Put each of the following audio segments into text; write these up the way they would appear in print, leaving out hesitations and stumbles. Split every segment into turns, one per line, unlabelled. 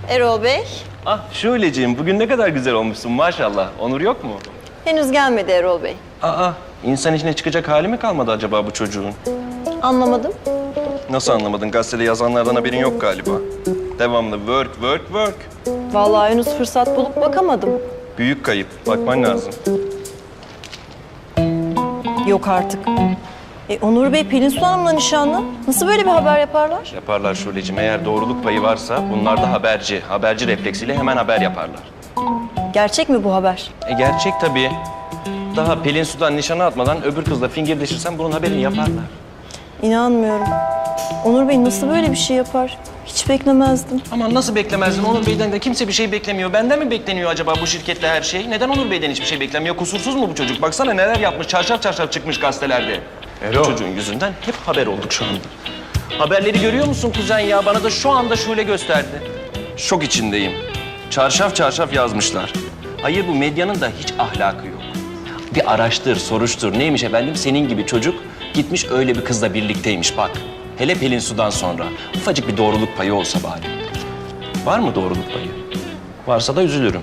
Erol Bey.
Ah Şuleciğim, bugün ne kadar güzel olmuşsun maşallah. Onur yok mu?
Henüz gelmedi Erol Bey.
İnsan içine çıkacak hali mi kalmadı acaba bu çocuğun?
Anlamadım.
Nasıl anlamadın? Gazetede yazanlardan haberin yok galiba. Devamlı work, work, work.
Vallahi henüz fırsat bulup bakamadım.
Büyük kayıp. Bakman lazım.
Yok artık. Onur Bey Pelin Su Hanım'la nişanlı. Nasıl böyle bir haber yaparlar?
Yaparlar Şuleciğim. Eğer doğruluk payı varsa bunlar da haberci. Haberci refleksiyle hemen haber yaparlar.
Gerçek mi bu haber?
Gerçek tabii. Daha Pelin Su'dan nişana atmadan öbür kızla fingirdeşirsen bunun haberini yaparlar.
İnanmıyorum. Onur Bey nasıl böyle bir şey yapar? Hiç beklemezdim.
Aman nasıl beklemezdin? Onur Bey'den de kimse bir şey beklemiyor. Benden mi bekleniyor acaba bu şirkette her şey? Neden Onur Bey'den hiçbir şey beklemiyor? Kusursuz mu bu çocuk? Baksana neler yapmış. Çarşaf çarşaf çıkmış gazetelerde. Bu çocuğun yüzünden hep haber olduk şu anda. Haberleri görüyor musun kuzen ya? Bana da şu anda Şule gösterdi. Şok içindeyim. Çarşaf çarşaf yazmışlar. Hayır bu medyanın da hiç ahlakı yok. Bir araştır, soruştur. Neymiş efendim? Senin gibi çocuk gitmiş öyle bir kızla birlikteymiş bak. Hele Pelin Su'dan sonra. Ufacık bir doğruluk payı olsa bari. Var mı doğruluk payı? Varsa da üzülürüm.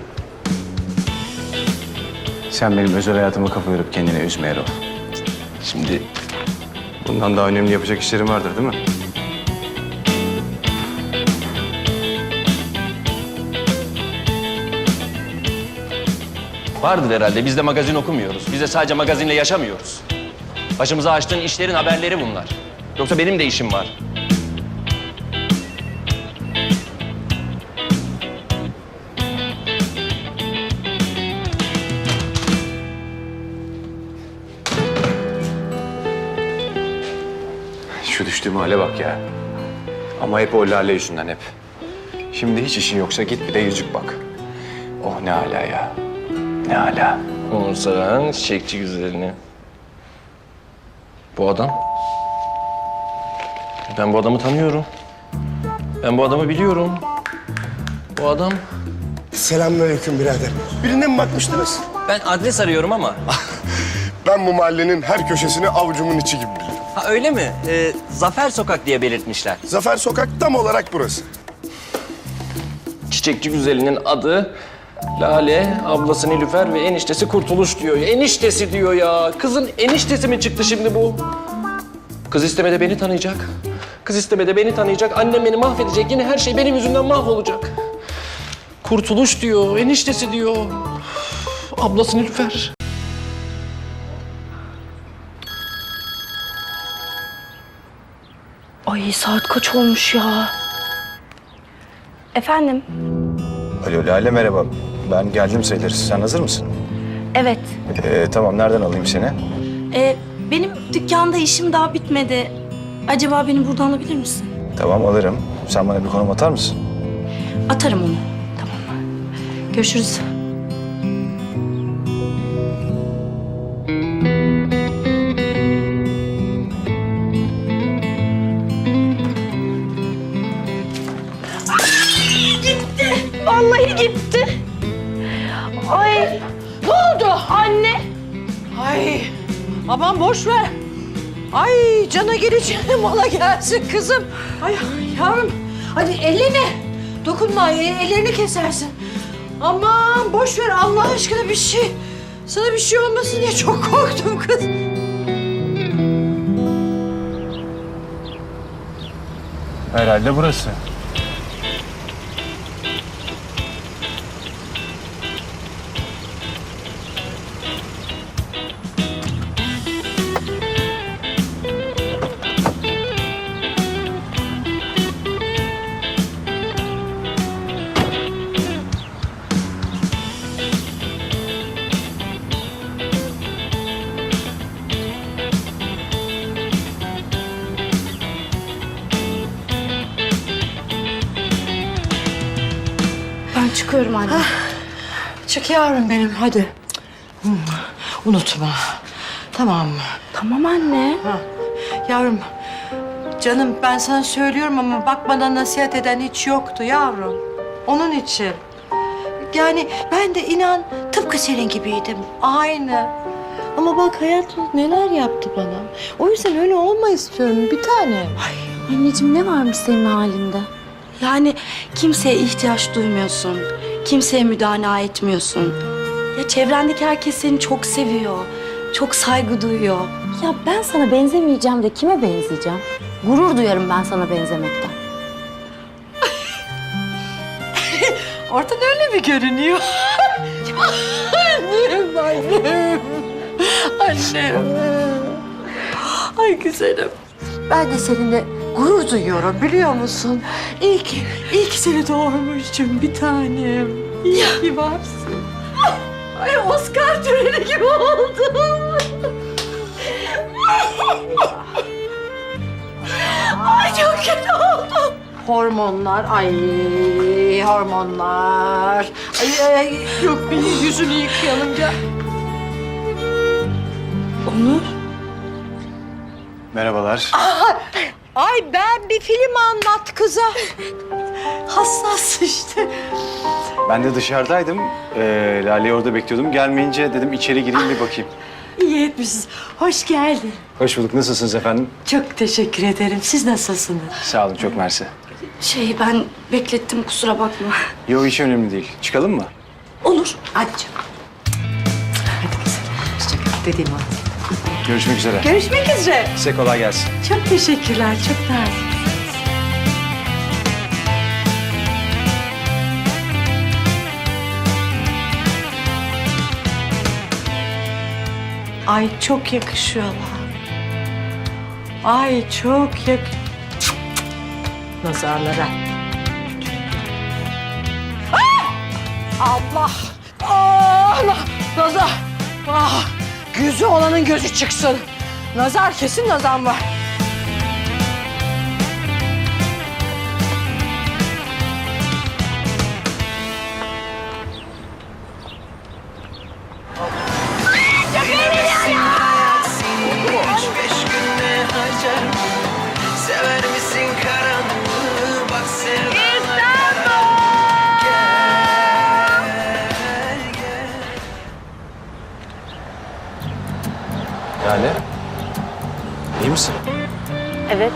Sen benim özel hayatıma kafa yorup kendini üzme Erol.
Şimdi
Bundan daha önemli yapacak işlerim vardır değil mi?
vardır herhalde. Biz de magazin okumuyoruz. Biz de sadece magazinle yaşamıyoruz. Başımıza açtığın işlerin haberleri bunlar. Yoksa benim de işim var.
Şu düştüğüm hale bak ya. Ama hep o Lale yüzünden hep. Şimdi hiç işin yoksa git bir de yüzük bak. Oh ne hala ya. Ne hala.
Onur Saran, çiçekçi güzelini. Bu adam. Ben bu adamı tanıyorum. Ben bu adamı biliyorum. Bu adam.
Selamünaleyküm birader. Birine mi bakmıştınız?
Ben adres arıyorum ama.
Ben bu mahallenin her köşesini avucumun içi gibi bilirim.
Ha öyle mi? Zafer Sokak diye belirtmişler.
Zafer Sokak tam olarak burası.
Çiçekçi güzelinin adı Lale, ablası Nilüfer ve eniştesi Kurtuluş diyor. Eniştesi diyor ya. Kızın eniştesi mi çıktı şimdi bu? Kız istemede beni tanıyacak. Kız istemede beni tanıyacak. Annem beni mahvedecek. Yine her şey benim yüzümden mahvolacak. Kurtuluş diyor, eniştesi diyor. Ablası Nilüfer.
Ay saat kaç olmuş ya? Efendim?
Alo Lale merhaba. Ben geldim sayılırız. Sen hazır mısın?
Evet.
Tamam nereden alayım seni?
Benim dükkanda işim daha bitmedi. Acaba beni buradan alabilir misin?
Tamam alırım. Sen bana bir konum atar mısın?
Atarım onu. Tamam. Görüşürüz. Vallahi gitti. Ay. Ne oldu? Anne.
Ay aman boş ver. Ay cana geleceğine mala gelsin kızım. Ay yavrum hadi eline dokunma ellerini kesersin. Aman boş ver Allah aşkına bir şey. Sana bir şey olmasın diye çok korktum kız.
Herhalde burası.
Ben çıkıyorum anne.
Çık yavrum benim hadi. Unutma. Tamam mı?
Tamam anne.
Yavrum canım ben sana söylüyorum ama bak bana nasihat eden hiç yoktu yavrum. Onun için. Yani ben de inan tıpkı senin gibiydim. Aynı. Ama bak hayat neler yaptı bana. O yüzden öyle olma istiyorum bir tane.
Anneciğim ne varmış senin halinde? Yani kimseye ihtiyaç duymuyorsun. Kimseye müdana etmiyorsun. Ya çevrendeki herkes seni çok seviyor. Çok saygı duyuyor.
Ya ben sana benzemeyeceğim de kime benzeyeceğim? Gurur duyarım ben sana benzemekten.
Ortada öyle mi görünüyor? Annem. Ay güzelim. Ben de seninle gurur duyuyorum biliyor musun? İyi ki seni doğurmuşum bir tanem. İyi ki varsın. Ay Oscar töreni gibi oldum. Ay çok kötü oldum. Hormonlar, hormonlar. Ay, yok bir yüzünü yıkayalım gel.
Onur,
Merhabalar.
Ay ben bir film anlat kıza. Hassas işte.
Ben de dışarıdaydım. Lale'yi orada bekliyordum. Gelmeyince dedim içeri gireyim bir bakayım.
İyi etmişsiniz. Hoş geldin.
Hoş bulduk. Nasılsınız efendim?
Çok teşekkür ederim. Siz nasılsınız?
Sağ olun. Çok mersi.
ben beklettim kusura bakma.
Yo hiç önemli değil. Çıkalım mı?
Olur.
Hadi canım. Hadi kızım. Hoşçakal dediğim o.
Görüşmek üzere.
Görüşmek üzere.
Size kolay gelsin.
Çok teşekkürler. Çok nazik. Ay çok yakışıyorlar. Ay çok nazarlara. Allah! Allah! Nazar! Ah! Gözü olanın gözü çıksın. Nazar kesin nazar var.
Sever misin karanlığı? Bak sevdalar.
Lale. İyi misin?
Evet.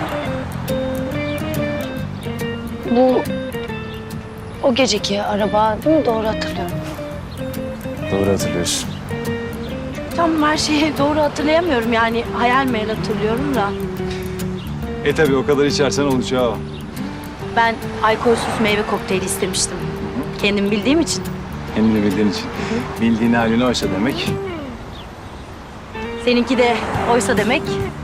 Bu o geceki araba değil mi? Doğru hatırlıyorum.
Doğru hatırlıyorsun.
Tam her şeyi doğru hatırlayamıyorum yani hayal meyal hatırlıyorum da.
Tabii o kadar içersen olacağı o.
Ben alkolsüz meyve kokteyli istemiştim. Kendim bildiğim için.
Hem de bildiğin için. Bildiğin halini oysa demek.
Seninki de oysa demek.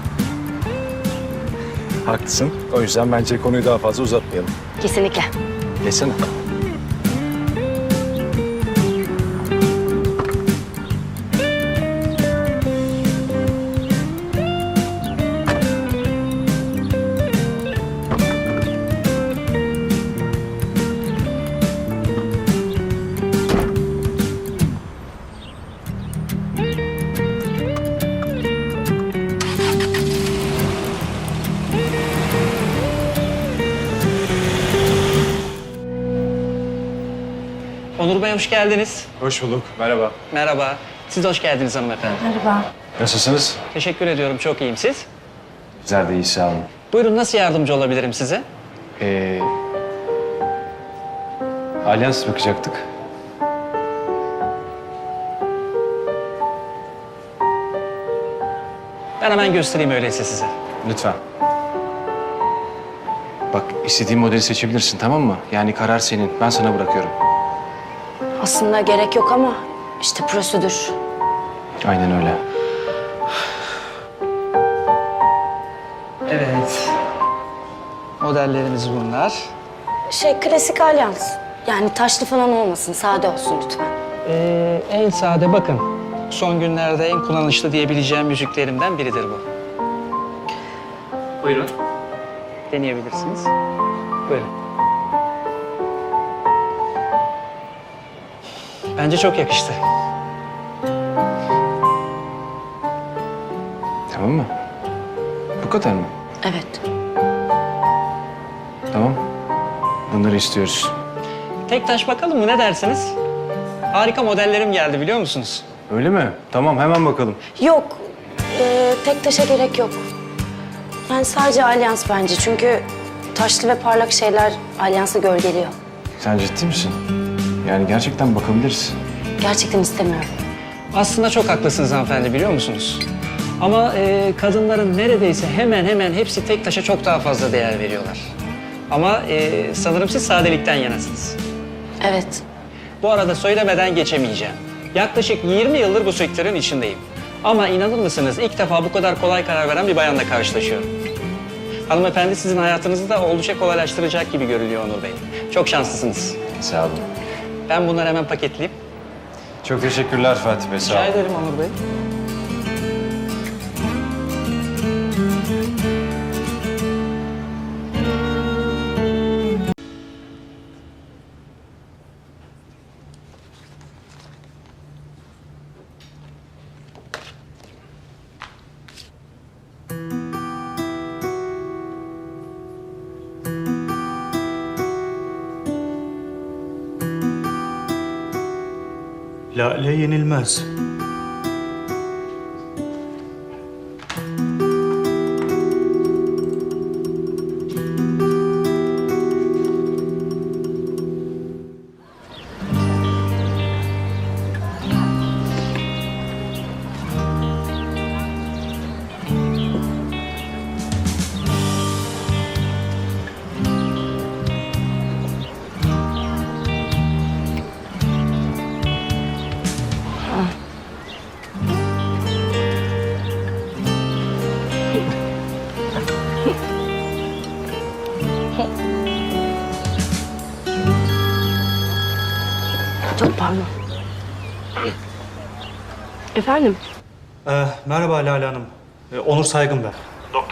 Haklısın. O yüzden bence konuyu daha fazla uzatmayalım.
Kesinlikle.
Geçsene.
Onur Bey hoş geldiniz.
Hoş bulduk. Merhaba.
Merhaba. Siz de hoş geldiniz hanımefendi.
Nasılsınız?
Teşekkür ediyorum. Çok iyiyim. Siz?
Bizler de iyi sağ olun.
Buyurun nasıl yardımcı olabilirim size?
Alyans bakacaktık.
Ben hemen göstereyim öyleyse size.
Lütfen. Bak istediğin modeli seçebilirsin tamam mı? Yani karar senin. Ben sana bırakıyorum.
Aslında gerek yok ama işte prosedür.
Aynen öyle.
Evet. Modellerimiz bunlar.
Klasik alyans. Yani taşlı falan olmasın, sade olsun lütfen.
En sade bakın. Son günlerde en kullanışlı diyebileceğim yüzüklerimden biridir bu. Buyurun. Deneyebilirsiniz. Buyurun. Bence çok yakıştı.
Tamam mı? Bu kadar mı?
Evet.
Tamam. Bunları istiyoruz.
Tek taş bakalım mı ne dersiniz? Harika modellerim geldi biliyor musunuz?
Öyle mi? Tamam hemen bakalım.
Yok, tek taşa gerek yok. Yani sadece alyans bence çünkü taşlı ve parlak şeyler alyansı gölgeliyor.
Sen ciddi misin? Yani gerçekten bakabiliriz.
Gerçekten istemiyorum.
Aslında çok haklısınız hanımefendi, biliyor musunuz? Ama kadınların neredeyse hemen hemen hepsi tek taşa çok daha fazla değer veriyorlar. Ama sanırım siz sadelikten yanasınız.
Evet.
Bu arada söylemeden geçemeyeceğim. Yaklaşık 20 yıldır bu sektörün içindeyim. Ama inanır mısınız, ilk defa bu kadar kolay karar veren bir bayanla karşılaşıyorum. Hanımefendi sizin hayatınızı da oldukça kolaylaştıracak gibi görünüyor Onur Bey. Çok şanslısınız.
Sağ olun.
Ben bunları hemen paketleyeyim.
Çok teşekkürler Fatih Bey, sağ
Rica
olun.
ederim Onur Bey.
Lale yenilmez.
Çok pardon. Efendim?
Merhaba Lale Hanım. Onur Saygın ben.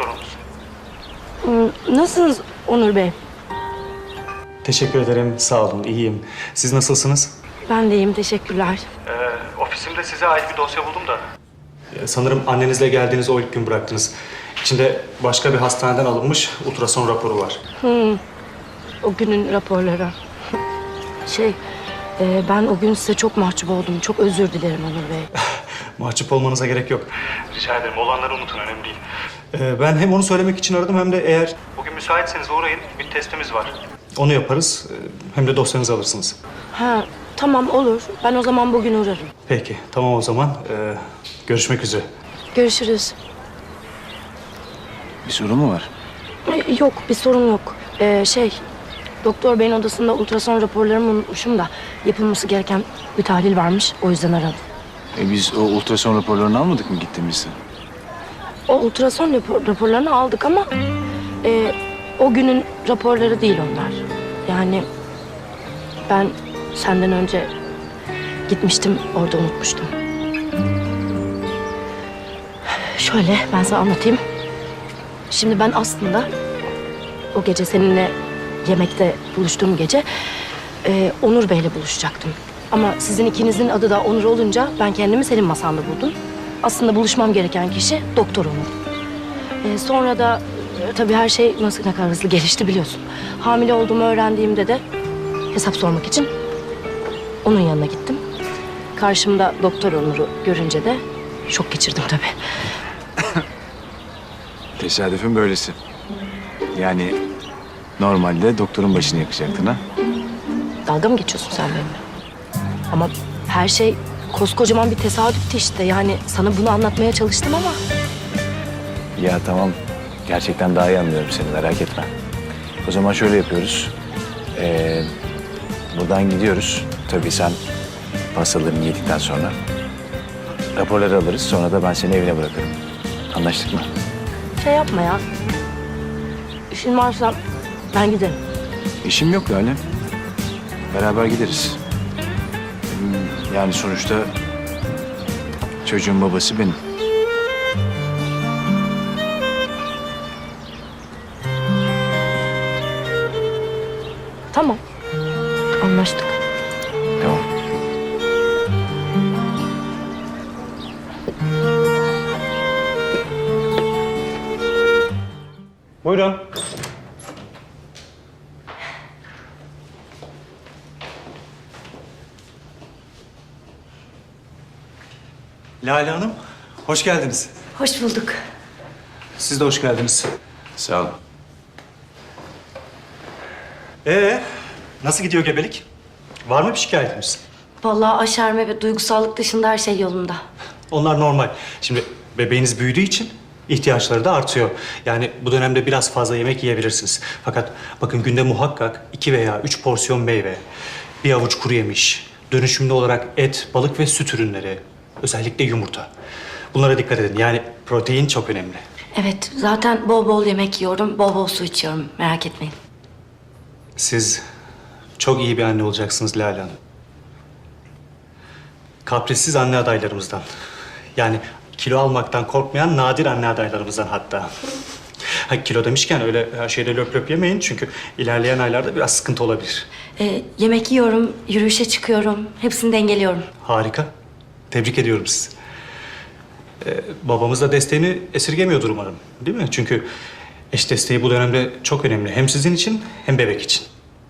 Nasılsınız Onur Bey?
Teşekkür ederim, sağ olun, iyiyim. Siz nasılsınız?
Ben de iyiyim, teşekkürler.
Ofisimde size ait bir dosya buldum da. Sanırım annenizle geldiğiniz o ilk gün bıraktınız. İçinde başka bir hastaneden alınmış ultrason raporu var.
O günün raporları. Ben o gün size çok mahcup oldum. Çok özür dilerim Onur Bey.
Mahcup olmanıza gerek yok. Rica ederim, olanları unutun, önemli değil. Ben hem onu söylemek için aradım hem de eğer... Bugün müsaitseniz uğrayın, bir testimiz var. Onu yaparız, hem de dosyanızı alırsınız.
Ha, tamam olur. Ben o zaman bugün uğrarım.
Peki, tamam o zaman. Görüşmek üzere.
Görüşürüz.
Bir sorun mu var?
Yok, bir sorun yok. Doktor beyin odasında ultrason raporlarımı unutmuşum da yapılması gereken bir tahlil varmış. O yüzden aradım.
Biz o ultrason raporlarını almadık mı gittiğimizde?
O ultrason raporlarını aldık ama o günün raporları değil onlar. Yani ben senden önce gitmiştim, orada unutmuştum. Şöyle ben sana anlatayım. Şimdi ben aslında o gece seninle yemekte buluştuğum gece Onur Bey'le buluşacaktım. Ama sizin ikinizin adı da Onur olunca ben kendimi senin masanda buldum. Aslında buluşmam gereken kişi Doktor Onur. Sonra da tabii her şey ne kadar hızlı gelişti biliyorsun. Hamile olduğumu öğrendiğimde de hesap sormak için onun yanına gittim. Karşımda Doktor Onur'u görünce de şok geçirdim tabii.
Tesadüfün böylesi. Yani normalde doktorun başını yakacaktın ha?
Dalga mı geçiyorsun sen benimle? Ama her şey koskocaman bir tesadüftü işte. Yani sana bunu anlatmaya çalıştım ama...
Ya tamam. Gerçekten daha iyi anlıyorum seni, merak etme. O zaman şöyle yapıyoruz. Buradan gidiyoruz. Tabii sen pastalarını yedikten sonra raporları alırız. Sonra da ben seni evine bırakırım. Anlaştık mı?
Şey yapma ya. İşin varsa ben giderim.
İşim yok Lale. Beraber gideriz. Yani sonuçta çocuğun babası benim.
Tamam. Anlaştık.
Tamam.
Buyurun. Lale Hanım, hoş geldiniz.
Hoş bulduk.
Siz de hoş geldiniz.
Sağ ol.
Nasıl gidiyor gebelik? Var mı bir şikayetimiz?
Vallahi aşerme ve duygusallık dışında her şey yolunda.
Onlar normal. Şimdi bebeğiniz büyüdüğü için ihtiyaçları da artıyor. Yani bu dönemde biraz fazla yemek yiyebilirsiniz. Fakat bakın günde muhakkak 2 veya 3 porsiyon meyve, bir avuç kuru yemiş, dönüşümlü olarak et, balık ve süt ürünleri, özellikle yumurta. Bunlara dikkat edin. Yani protein çok önemli.
Evet, zaten bol bol yemek yiyorum, bol bol su içiyorum. Merak etmeyin.
Siz çok iyi bir anne olacaksınız Lale Hanım. Kaprissiz anne adaylarımızdan. Yani kilo almaktan korkmayan nadir anne adaylarımızdan hatta. Ha, kilo demişken öyle her şeyde löp löp yemeyin çünkü ilerleyen aylarda biraz sıkıntı olabilir.
Yemek yiyorum, yürüyüşe çıkıyorum. Hepsini dengeliyorum.
Harika. Tebrik ediyorum sizi. Babamız da desteğini esirgemiyordur umarım. Değil mi? Çünkü eş desteği bu dönemde çok önemli. Hem sizin için hem bebek için.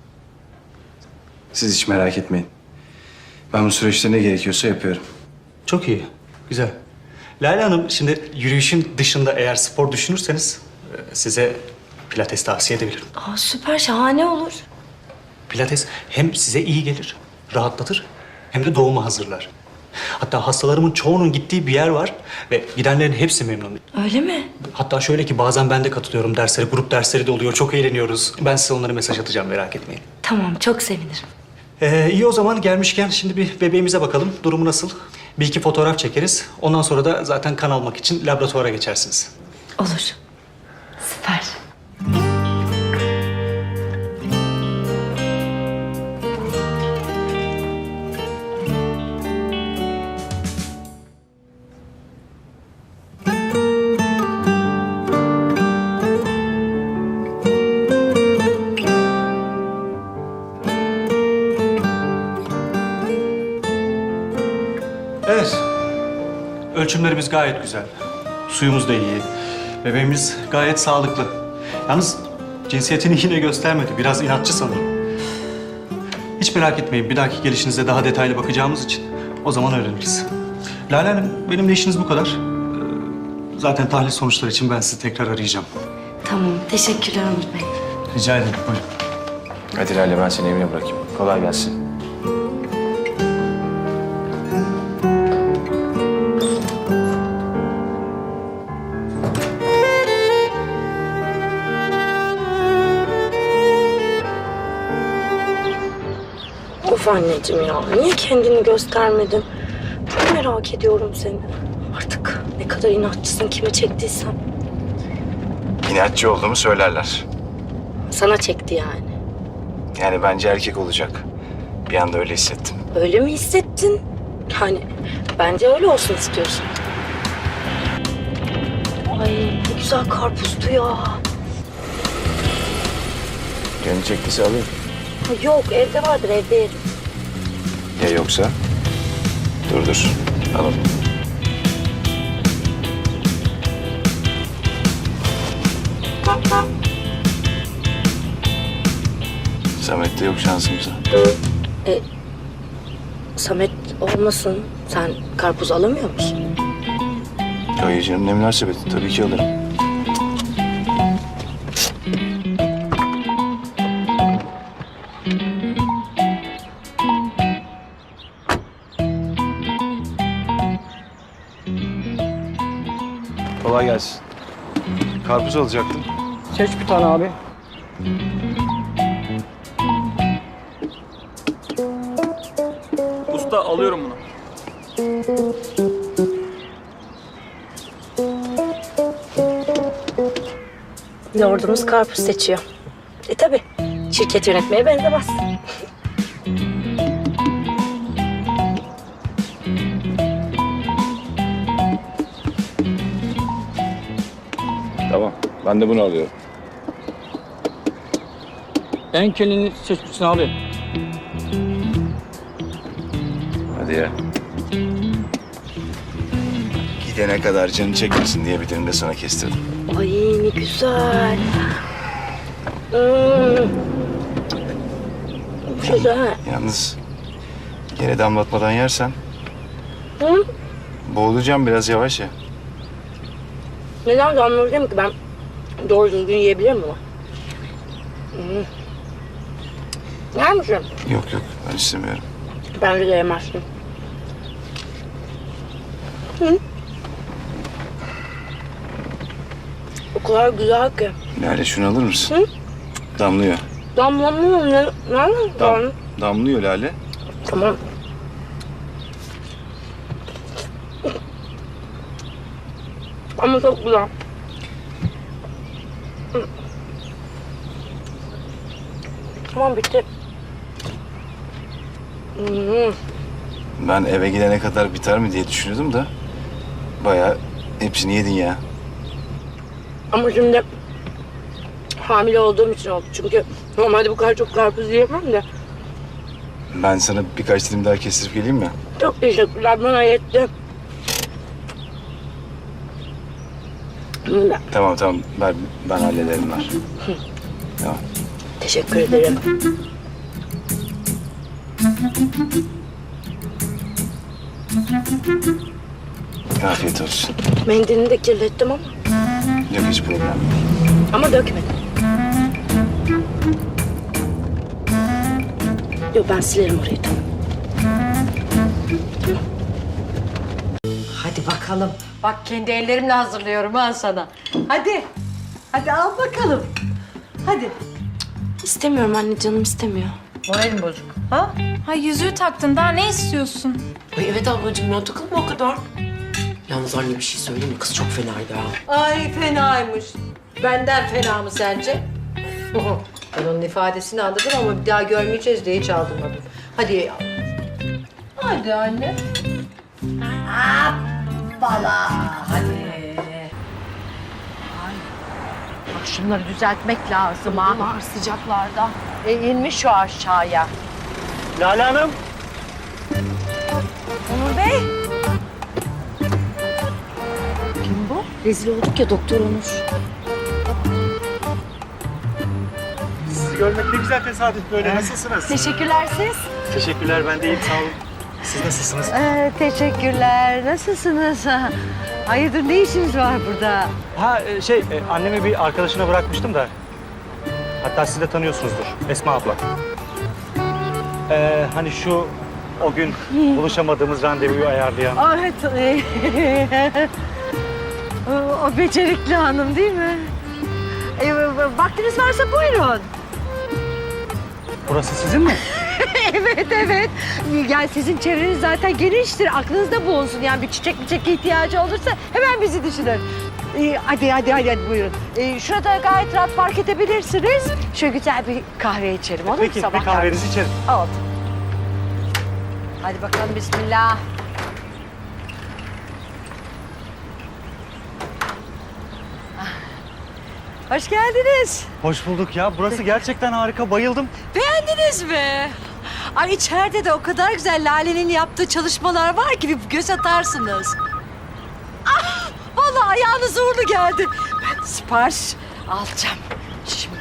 Siz hiç merak etmeyin. Ben bu süreçte ne gerekiyorsa yapıyorum.
Çok iyi. Güzel. Lale Hanım, şimdi yürüyüşün dışında eğer spor düşünürseniz size pilates tavsiye edebilirim.
Aa, süper, şahane olur.
Pilates hem size iyi gelir, rahatlatır hem de doğuma hazırlar. Hatta hastalarımın çoğunun gittiği bir yer var ve gidenlerin hepsi memnun.
Öyle mi?
Hatta şöyle ki bazen ben de katılıyorum derslere, grup dersleri de oluyor. Çok eğleniyoruz. Ben size onlara mesaj atacağım, merak etmeyin.
Tamam, çok sevinirim.
İyi o zaman gelmişken şimdi bir bebeğimize bakalım. Durumu nasıl? Bir iki fotoğraf çekeriz. Ondan sonra da zaten kan almak için laboratuvara geçersiniz.
Olur. Süper.
Evet. Ölçümlerimiz gayet güzel. Suyumuz da iyi. Bebeğimiz gayet sağlıklı. Yalnız cinsiyetini yine göstermedi. Biraz inatçı sanırım. Hiç merak etmeyin. Bir dahaki gelişinizde daha detaylı bakacağımız için o zaman öğreniriz. Lale Hanım, benim de işiniz bu kadar. Zaten tahlil sonuçları için ben sizi tekrar arayacağım.
Tamam, teşekkürler Onur Bey.
Rica ederim. Buyurun.
Hadi Lale, ben seni evine bırakayım. Kolay gelsin.
Of anneciğim ya, niye kendini göstermedin? Çok merak ediyorum seni. Artık ne kadar inatçısın, kime çektiysen.
İnatçı olduğumu söylerler.
Sana çekti yani.
Yani bence erkek olacak. Bir anda öyle hissettim.
Öyle mi hissettin? Yani bence öyle olsun istiyorsun. Ay ne güzel karpuzdu ya.
Canı çektiyse alayım.
Ha, yok evde vardır, evde yerim.
Ya yoksa? Dur. Alalım. Samet'te yok şansımıza.
Samet olmasın. Sen karpuz alamıyor musun?
Hayır canım, ne münasebet. Tabii ki alırım. Kolay gelsin. Karpuz alacaktım.
Seç bir tane abi.
Usta alıyorum bunu.
Lordumuz karpuz seçiyor. Tabii. Şirket yönetmeye benzemez.
Tamam. Ben de bunu alıyorum.
En kendini seçmişsin abi.
Hadi ya. Gidene kadar canı çekmesin diye bir dilim de sana kestirdim.
Ay ne güzel. Güzel.
Yalnız yere damlatmadan yersen
Hı?
boğulacağım, biraz yavaş ya.
Neden damlayacağım ki ben doğru düzgün yiyebilir miyim? Yer misin?
Yok yok ben istemiyorum.
Bence de yemezsin. Hı? O kadar güzel ki.
Lale şunu alır mısın?
Hı?
Damlıyor.
Damlamıyor ne? Nerede?
Damlıyor Lale.
Tamam. Ama çok güzel. Tamam bitti.
Ben eve gidene kadar biter mi diye düşünüyordum da bayağı hepsini yedin ya.
Ama şimdi hamile olduğum için oldu. Çünkü normalde bu kadar çok karpuz yiyemem de.
Ben sana birkaç dilim daha kestirip geleyim mi?
Çok teşekkürler, bana yetti.
Tamam ver, ben hallederim ver. Tamam.
Teşekkür ederim.
Afiyet olsun.
Mendilini de kirlettim ama.
Yok hiç problem yok.
Ama dökmedim. Yok ben silerim orayı tamam.
Hadi bakalım. Bak kendi ellerimle hazırlıyorum ha sana. Hadi. Hadi al bakalım. Hadi.
İstemiyorum anne, canım istemiyor.
Moralim bozuk. Ha?
Ha yüzüğü taktın, daha ne istiyorsun?
Ay evet ablacığım ya takılma o kadar. Yalnız anne bir şey söyleyeyim mi? Kız çok fenaydı ha.
Ay fenaymış. Benden fena mı sence? Ben onun ifadesini anladım ama bir daha görmeyeceğiz diye hiç aldırmadım. Hadi. Hadi anne. Hoppala. Hadi. Ay. Bak şunları düzeltmek lazım ha.
Bunlar sıcaklarda.
İnmiş şu aşağıya.
Lale Hanım.
Onur Bey.
Rezil olduk ya Doktor Onur.
Sizi görmek ne güzel tesadüf böyle. Nasılsınız?
Teşekkürler siz.
Teşekkürler ben de iyiyim sağ olun. Siz nasılsınız?
Teşekkürler. Nasılsınız? Hayırdır ne işiniz var burada?
Annemi bir arkadaşına bırakmıştım da. Hatta siz de tanıyorsunuzdur. Esma abla. Hani şu o gün buluşamadığımız randevuyu ayarlayan.
Evet. O becerikli hanım değil mi? Vaktiniz varsa buyurun.
Burası sizin mi?
Evet. Yani sizin çevreniz zaten geniştir. Aklınızda bulunsun. Yani bir çiçek ihtiyacı olursa hemen bizi düşünün. Hadi buyurun. Şurada gayet rahat park edebilirsiniz. Şöyle güzel bir kahve içelim olur mu?
Peki
Sabah
bir kahvenizi içerim.
Oldu. Hadi bakalım bismillah. Hoş geldiniz.
Hoş bulduk ya. Burası gerçekten harika. Bayıldım.
Beğendiniz mi? Ay içeride de o kadar güzel Lale'nin yaptığı çalışmalar var ki bir göz atarsınız. Ah, vallahi ayağınız uğurlu geldi. Ben sipariş alacağım şimdi.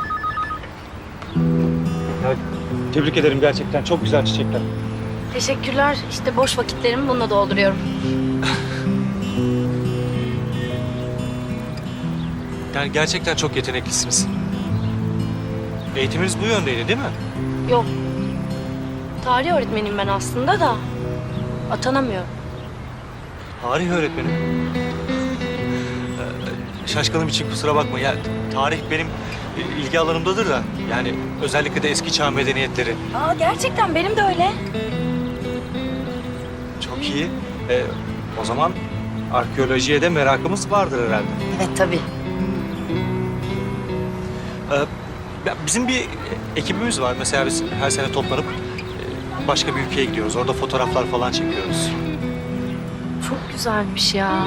Ya, tebrik ederim gerçekten. Çok güzel çiçekler.
Teşekkürler. İşte boş vakitlerimi bununla dolduruyorum.
Yani gerçekten çok yeteneklisiniz. Eğitiminiz bu yöndeydi değil mi?
Yok. Tarih öğretmeniyim ben aslında da atanamıyorum.
Tarih öğretmenim. Şaşkınım için kusura bakma. Ya tarih benim ilgi alanımdadır da. Yani özellikle de eski çağ medeniyetleri.
Aa gerçekten benim de öyle.
Çok iyi. O zaman arkeolojiye de merakımız vardır herhalde.
Evet tabii.
Bizim bir ekibimiz var. Mesela biz her sene toplanıp başka bir ülkeye gidiyoruz. Orada fotoğraflar falan çekiyoruz.
Çok güzelmiş ya.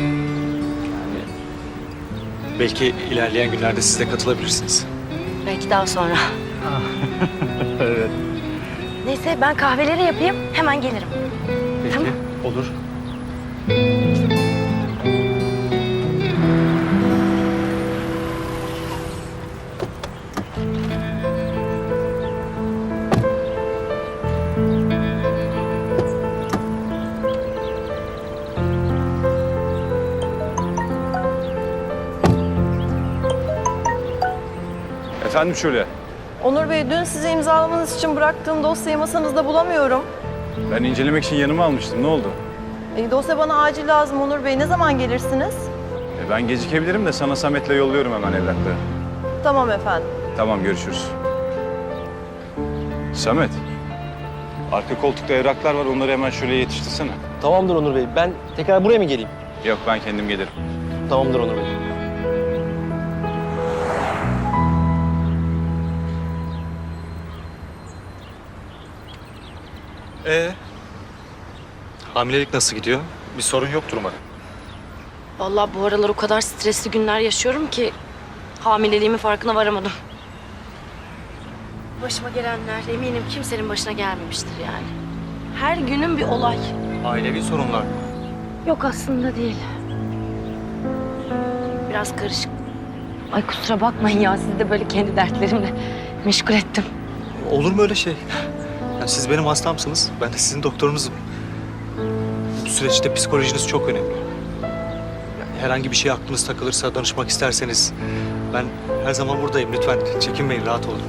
Belki ilerleyen günlerde siz de katılabilirsiniz.
Belki daha sonra.
Evet.
Neyse ben kahveleri yapayım hemen gelirim.
Peki,
Tamam.
olur.
Efendim Şule.
Onur Bey, dün size imzalamanız için bıraktığım dosyayı masanızda bulamıyorum.
Ben incelemek için yanıma almıştım. Ne oldu?
Dosya bana acil lazım Onur Bey. Ne zaman gelirsiniz?
Ben gecikebilirim de sana Samet'le yolluyorum hemen evrakları.
Tamam efendim.
Tamam, görüşürüz. Samet, arka koltukta evraklar var. Onları hemen şuraya yetiştirsene.
Tamamdır Onur Bey. Ben tekrar buraya mı geleyim?
Yok, ben kendim gelirim.
Tamamdır Onur Bey.
Hamilelik nasıl gidiyor? Bir sorun yoktur umarım.
Vallahi bu aralar o kadar stresli günler yaşıyorum ki hamileliğimin farkına varamadım. Başıma gelenler eminim kimsenin başına gelmemiştir yani. Her günün bir olay.
Ailevi sorunlar mı?
Yok aslında değil. Biraz karışık. Ay kusura bakmayın ya, sizi de böyle kendi dertlerimle meşgul ettim.
Olur mu öyle şey? Yani siz benim hastamsınız, ben de sizin doktorunuzum. Bu süreçte psikolojiniz çok önemli. Yani herhangi bir şey aklınız takılırsa, danışmak isterseniz... ben her zaman buradayım. Lütfen çekinmeyin, rahat olun.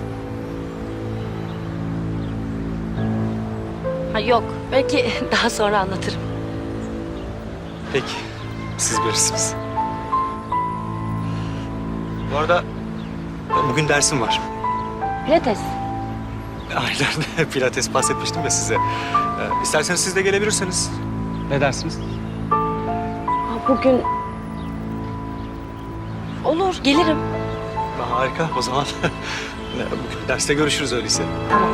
Ha yok, belki daha sonra anlatırım.
Peki, siz bilirsiniz. Bu arada bugün dersim var.
Pilates.
Aynen, pilates bahsetmiştim ya size. İsterseniz siz de gelebilirsiniz. Ne dersiniz?
Ha, bugün... Olur, gelirim.
Harika, o zaman bugün derste görüşürüz öyleyse.
Tamam.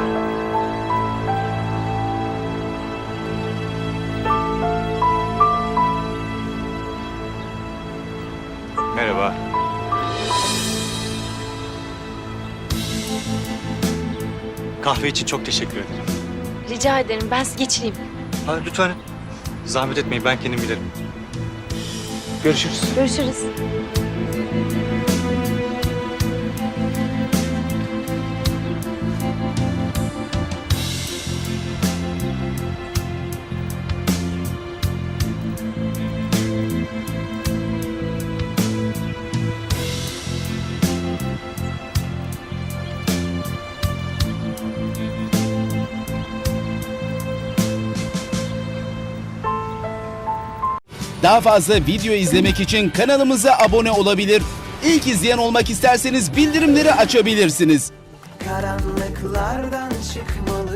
Merhaba.
Kahve için çok teşekkür ederim.
Rica ederim, ben sizi geçireyim.
Ha, lütfen zahmet etmeyin, ben kendim giderim. Görüşürüz.
Görüşürüz.
Daha fazla video izlemek için kanalımıza abone olabilir. İlk izleyen olmak isterseniz bildirimleri açabilirsiniz.
Karanlıklardan çıkmalı